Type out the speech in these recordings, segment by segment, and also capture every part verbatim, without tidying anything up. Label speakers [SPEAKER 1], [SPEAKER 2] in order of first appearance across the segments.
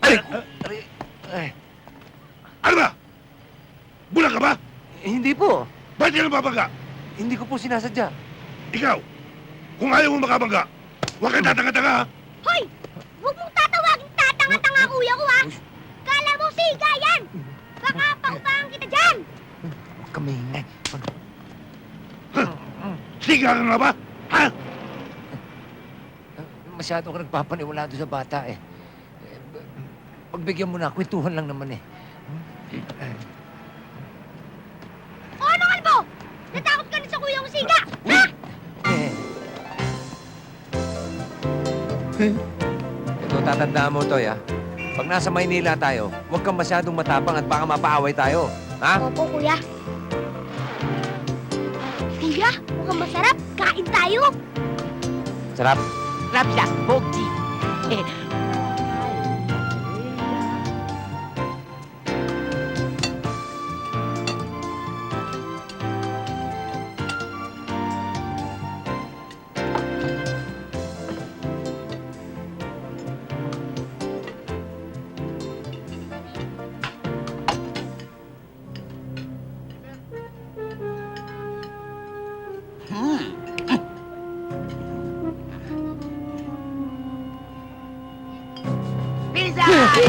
[SPEAKER 1] Aray!
[SPEAKER 2] Aray! Ay,
[SPEAKER 1] Ano ba? Bulag ka ba?
[SPEAKER 2] eh, hindi po.
[SPEAKER 1] Ba't ka nababangga?
[SPEAKER 2] Hindi ko po sinasadya.
[SPEAKER 1] Ikaw, kung ayaw mo makabangga, huwag kang tatanga-tanga, ha?
[SPEAKER 3] Hoy! Huwag mong tatawagin tatanga-tanga kuya ko, ha? Kala mo siga yan! Baka paupahan kita dyan!
[SPEAKER 2] Huwag kang maingay.
[SPEAKER 1] Siga ka nga ba? Ha?
[SPEAKER 2] Masyado ka nagpapaniwala doon sa bata, eh. Eh, b- Pagbigyan mo na, kwentuhan lang naman, eh.
[SPEAKER 3] O ano kalbo? Natakot ka na sa kuya mong siga! Ha?
[SPEAKER 2] Eh. Ito, tatandaan mo, Toy, ha? Pag nasa Maynila tayo, huwag kang masyadong matapang at baka mapaaway tayo. Ha?
[SPEAKER 3] Opo, kuya. Kuya, mukhang masarap. Kain tayo.
[SPEAKER 2] Sarap.
[SPEAKER 3] Rapsa, Bogji.
[SPEAKER 4] Pinsan!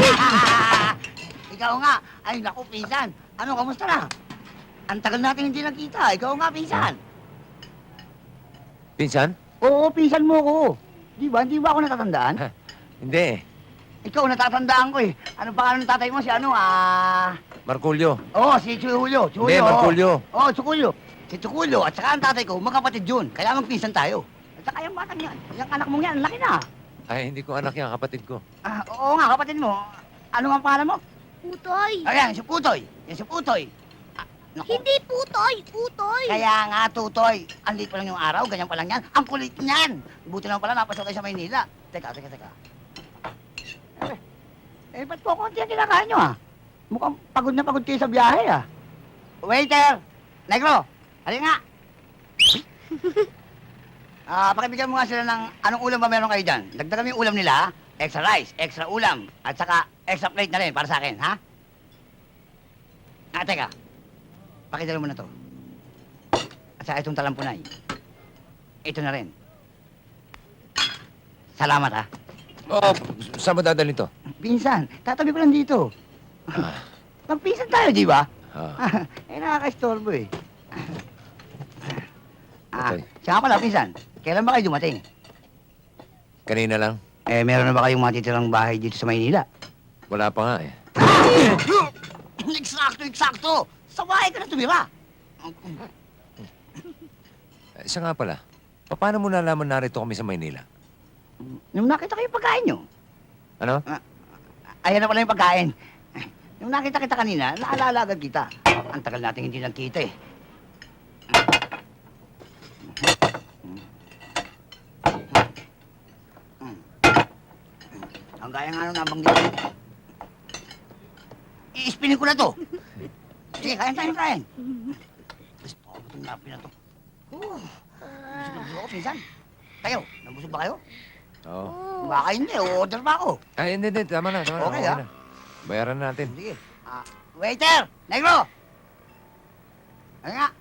[SPEAKER 4] Ikaw nga. Ay, naku, pinsan. Ano, kamusta na? Ang tagal natin hindi nagkita. Ikaw nga, pinsan.
[SPEAKER 2] Pinsan?
[SPEAKER 4] Oo, pinsan mo ko. Di ba? Hindi ba ako natatandaan?
[SPEAKER 2] Hindi.
[SPEAKER 4] Ikaw, natatandaan ko eh. Ano pangalan ng tatay mo? Si ano, ah...
[SPEAKER 2] Marculio.
[SPEAKER 4] Oo, si Chuyo. Chuyo.
[SPEAKER 2] Hindi, Marculio.
[SPEAKER 4] Oo, Chukulyo. Si Chukulyo at saka ang tatay ko, magkapatid yun. Kaya magpinsan tayo. At saka yung batang yan. Yung anak mong yan, laki na.
[SPEAKER 2] Ay, hindi ko anak yan, kapatid ko.
[SPEAKER 4] Ah, oo nga, kapatid mo. Ano nga ang pangalan mo?
[SPEAKER 3] Putoy.
[SPEAKER 4] Ayan, si Putoy. Yan si Putoy. Ah, naku.
[SPEAKER 3] Hindi putoy, putoy.
[SPEAKER 4] Kaya nga, Tutoy. Ang liit pa lang yung araw, ganyan pa lang yan. Ang kulit niyan. Buti naman pala, napasok tayo sa Maynila. Teka, teka, teka. Eh, eh ba't po konti ang kinakain nyo, ah? Mukhang pagod na pagod kayo sa biyahe, ah. Waiter! Negro! Halika nga! Ah, pakibigyan mo nga sila ng anong ulam ba meron kayo dyan. Dagdagan mo yung ulam nila, ha? Extra rice, extra ulam, at saka extra plate na rin para sa akin, ha? Ah, teka. Pakidala mo na to. At saka itong talampunay. Ito na rin. Salamat, ha?
[SPEAKER 2] Oh, saan mo dadalhin to?
[SPEAKER 4] Pinsan, tatabi ko lang dito.
[SPEAKER 2] Ah,
[SPEAKER 4] Magpinsan tayo, di ba?
[SPEAKER 2] ah,
[SPEAKER 4] eh, nakaka-istorbo eh. Ah,
[SPEAKER 2] Okay.
[SPEAKER 4] siya nga pala, pinsan. Kailan ba kayo dumating?
[SPEAKER 2] kanina lang.
[SPEAKER 4] Eh, meron na ba kayong matitirang bahay dito sa Maynila?
[SPEAKER 2] Wala pa nga, eh.
[SPEAKER 4] Eksakto, eksakto! Sa bahay ka na tumira!
[SPEAKER 2] Eh, Isa nga pala, paano mo nalaman narito kami sa Maynila?
[SPEAKER 4] Nung nakita ko yung pagkain nyo,
[SPEAKER 2] Ano?
[SPEAKER 4] ayan na pala yung pagkain. Nung nakita kita kanina, naalala agad kita. Ang tagal natin hindi nagkita eh. Ang gaya nga nung nabanggit ko. I-spinin ko na to. Sige, kain tayo, kain. Gusto ko itong napi na to. Oh, busog na busog ako, pinsan. Kayo, nabusog ba kayo?
[SPEAKER 2] Oo.
[SPEAKER 4] Baka hindi, order pa ako.
[SPEAKER 2] Ay, hindi, hindi. Tama na, tama na.
[SPEAKER 4] Okay, ah.
[SPEAKER 2] na. Bayaran na natin.
[SPEAKER 4] Sige. Ah, waiter! Negro! Ano nga?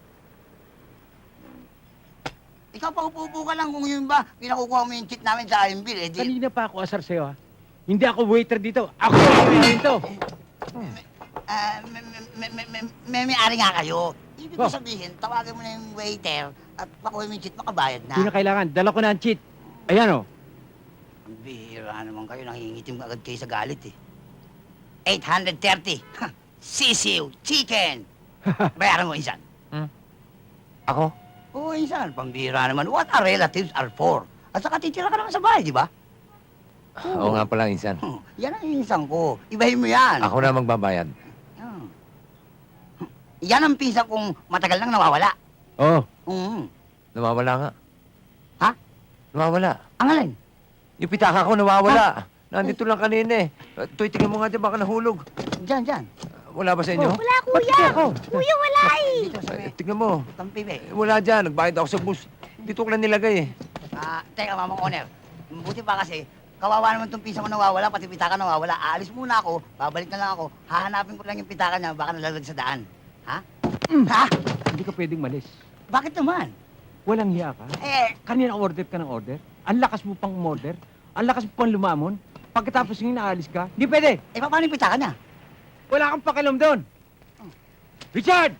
[SPEAKER 4] Ikaw pa upo ka lang kung yun ba, pinakukuha mo yung cheat namin sa I M bill, eh di...
[SPEAKER 5] Kanina pa ako asar sa'yo, ha? Hindi ako waiter dito. Ako ang waiter dito.
[SPEAKER 4] Ah, may, may, may, may, may may-ari nga kayo. Ibig ko
[SPEAKER 5] Oh.
[SPEAKER 4] sabihin, tawagan mo na yung waiter at pakuha mo yung cheat, makabayad na.
[SPEAKER 5] Hindi na kailangan. Dala ko na ang cheat. Ayan, oh.
[SPEAKER 4] Ang bihira naman kayo, nangingitim agad kayo sa galit eh. eight hundred thirty. Sisiw, chicken. Bayaran mo, insan.
[SPEAKER 2] Ako?
[SPEAKER 4] Oo, insan. Pambihira naman. What our relatives are for. At saka titira ka naman sa bahay, di ba?
[SPEAKER 2] Oo nga pala, insan.
[SPEAKER 4] Hmm, yan ang insan ko. Ibahin mo yan.
[SPEAKER 2] Ako na magbabayad.
[SPEAKER 4] Yan. Yan ang pinsan kong matagal nang nawawala.
[SPEAKER 5] Oh.
[SPEAKER 4] Mm.
[SPEAKER 2] Nawawala nga.
[SPEAKER 4] Ha?
[SPEAKER 2] Nawawala.
[SPEAKER 4] Ang alin?
[SPEAKER 2] Yung pitaka ko nawawala. Nandito lang kanina, eh. Uh, Toy, tingnan mo nga dyan, baka nahulog.
[SPEAKER 4] Diyan, diyan.
[SPEAKER 2] Wala ba sa inyo?
[SPEAKER 3] Wala,
[SPEAKER 5] Ba't
[SPEAKER 3] kuya.
[SPEAKER 5] ako?
[SPEAKER 3] Kuya, wala eh.
[SPEAKER 4] Dito sa
[SPEAKER 2] Eh,
[SPEAKER 4] may
[SPEAKER 2] tingnan mo.
[SPEAKER 4] tampibe.
[SPEAKER 2] Eh, Wala dyan, nagbayad ako sa bus. Dito ko lang nilagay, eh.
[SPEAKER 4] Ah, teka, mamang owner. Buti pa kasi, kawawa naman itong pinsan ko nawawala, pati pitaka nawawala. Aalis muna ako, babalik na lang ako. Hahanapin ko lang yung pitaka niya, baka nalalag sa daan. Ha? Ha?
[SPEAKER 5] Hindi ka pwedeng malis.
[SPEAKER 4] Bakit naman?
[SPEAKER 5] Walang hiya ka.
[SPEAKER 4] Eh,
[SPEAKER 5] Kanina order ka ng order. Ang lakas mo pang order. Ang lakas mo pang lumamon. Pagkatapos ng inaalis ka, hindi pwede.
[SPEAKER 4] eh paano yung pitaka niya?
[SPEAKER 5] Wala kang pakialam doon. Richard!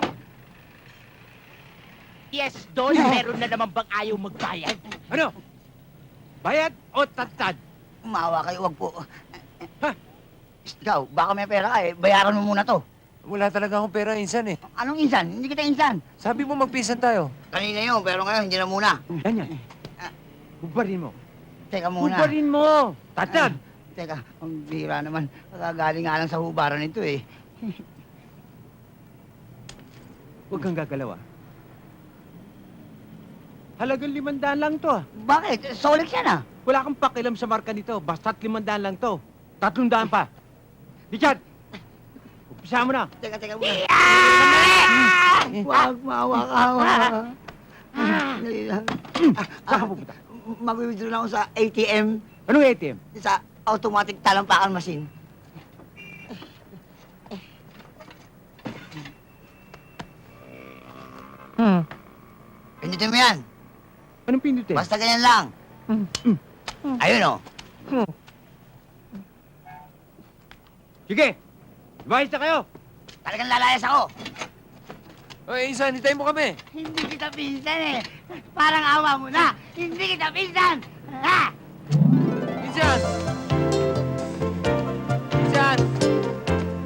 [SPEAKER 6] Yes, Don, meron na naman bang ayaw magbayad?
[SPEAKER 5] Ano? Bayad o tatad?
[SPEAKER 4] Umawa kayo, wag po.
[SPEAKER 5] Ha?
[SPEAKER 4] Ikaw, baka may pera ka eh, bayaran mo muna to.
[SPEAKER 2] Wala talaga akong pera, insan eh.
[SPEAKER 4] Anong insan? Hindi kita insan.
[SPEAKER 2] Sabi mo magpisan tayo.
[SPEAKER 4] Kanina yun, pero ngayon hindi na muna.
[SPEAKER 5] Yan yan. Bubarin mo.
[SPEAKER 4] Teka muna.
[SPEAKER 5] Bubarin mo! Tatad!
[SPEAKER 4] Ay, teka, ang bira naman. Nakagaling nga lang sa hubaran nito eh.
[SPEAKER 5] Huwag kang gagalaw ah. Halagang limandaan lang to ah.
[SPEAKER 4] Bakit? Solix yan ah.
[SPEAKER 5] Wala kang pakialam sa marka nito. Basta't limandaan lang to. Tatlong daan pa. Richard! Umpisa mo na.
[SPEAKER 4] Teka, teka muna. Wag, maawa ka. Dali lang.
[SPEAKER 5] Saan ka pupunta?
[SPEAKER 4] Mag-withdraw lang ako sa A T M.
[SPEAKER 5] Anong A T M?
[SPEAKER 4] Sa automatic talampakan machine.
[SPEAKER 5] Hmm.
[SPEAKER 4] Pindutin mo yan.
[SPEAKER 5] Anong pindutin?
[SPEAKER 4] Basta ganyan lang. Ayun oh.
[SPEAKER 5] Sige! Lumayas na kayo!
[SPEAKER 4] Talagang lalayas ako.
[SPEAKER 2] Oy, insan, hintayin mo kami.
[SPEAKER 4] Hindi kita pinsan eh. Parang awa mo na. Hindi kita pinsan. Ha?
[SPEAKER 2] Insan!